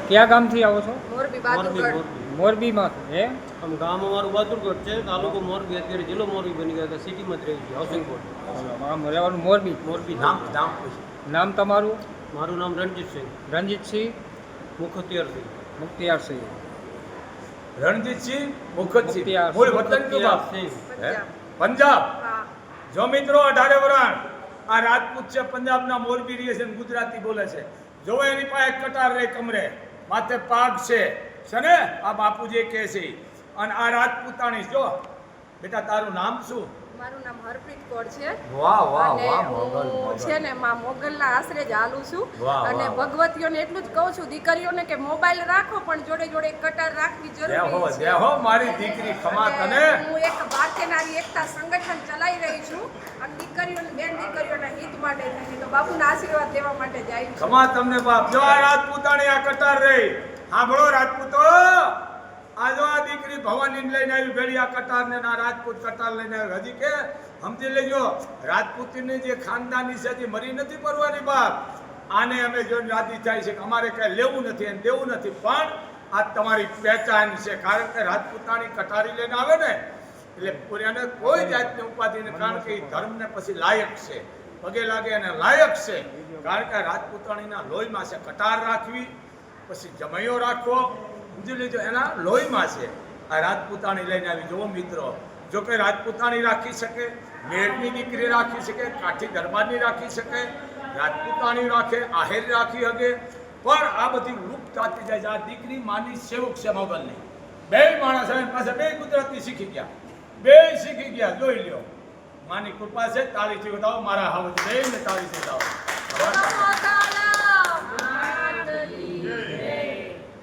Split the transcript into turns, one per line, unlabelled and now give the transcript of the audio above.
ક્યાં ગામથી આવો છો?
મોરબી બાદુગઢ.
મોરબીમાં હે?
આમ ગામ અમારું બહાદુરગઢ છે, તાલુકો મોરબી, અત્યારે જિલ્લો મોરબી બની ગયો છે, સિટીમાં જ રહી છે, હાઉસિંગ બોર્ડ.
આમ રહેવાનું મોરબી.
મોરબી
નામ તમારું?
મારું નામ રણજીતસિંહ
રણજીતસિંહ
મુખતિયારસિંહ.
મુખ્તિયારસિંહ.
રણજીતસિંહ મુખતસિંહ.
મુખતિયાર.
મૂળ વતન કયું બાપ?
સિંહ.
હે? પંજાબ.
હા.
જો મિત્રો 18 વરાણ આ રાજપૂત છે, પંજાબના મોરબી રહે છે ને ગુજરાતી બોલે છે. જો એની પાસે કટાર રે કમરે, માથે પાગ છે ને આ બાપુજી કહે છે. અને આ રાજપૂતાણી જો બેટા તારું નામ શું?
મારું નામ હરપ્રીત કૌર છે.
વાહ વાહ
અને
વાહ
હું
મોગલ
છે ને માં મોગલના આશરે જ હાલું છું.
વાહ,
અને
વાહ.
ભગવતીઓને એટલું જ કહું છું દીકરીઓને કે મોબાઈલ રાખો પણ જોડે જોડે એક કટાર રાખવી જરૂરી છે.
દેહો મારી દીકરી ખમા તને.
અને હું એક ભારતીય નારી એકતા સંગઠન ચલાવી રહી છું અને દીકરીઓને બેન દીકરીઓના હિત માટે થઈને તો બાપુના આશીર્વાદ લેવા માટે જાય છું.
ખમા તમને બાપ. જો આ રાજપૂતાણી આ કટાર રે સાંભળો રાજપૂતો, આ જો આ દીકરી ભવાની લઈને આવી ભેળી આ કટાર ને આ રાજપૂત કટાર લઈને આવી. હજી કે સમજી લેજો રાજપૂતીની જે ખાનદાની છે તે મરી નથી પરવાની બાપ. આને અમે જો યાદી થાય છે કે અમારે કઈ લેવું નથી અને દેવું નથી, પણ આ તમારી પહેચાન છે. કારણ કે રાજપૂતાણી કટારી લઈને આવે ને એટલે પૂર્યાને કોઈ જાતની ઉપાધિ નથી, કારણ કે એ ધર્મને પછી લાયક છે, પગે લાગે અને લાયક છે. કારણ કે રાજપૂતાણીના લોહીમાં છે કટાર રાખવી, પછી જમૈયો રાખવો, સમજી લેજો એના લોહીમાં છે. આ રાજપૂતાણી લઈને આવી. જુઓ મિત્રો, જો કે રાજપૂતાણી રાખી શકે, મેળની દીકરી રાખી શકે, કાઠી દરબારની રાખી શકે, રાજપૂતાણી રાખે, આહેર રાખી શકે, પણ આ બધી લુપ્ત થતી જાય છે. આ દીકરી માની સેવક છે મોગલની. બે માણસ એની પાસે બે ગુજરાતી શીખી ગયા, બે શીખી ગયા. જોઈ લ્યો માની કૃપા છે. તાળીથી બતાવો મારા હાવજ બે ને તાળીથી બતાવો.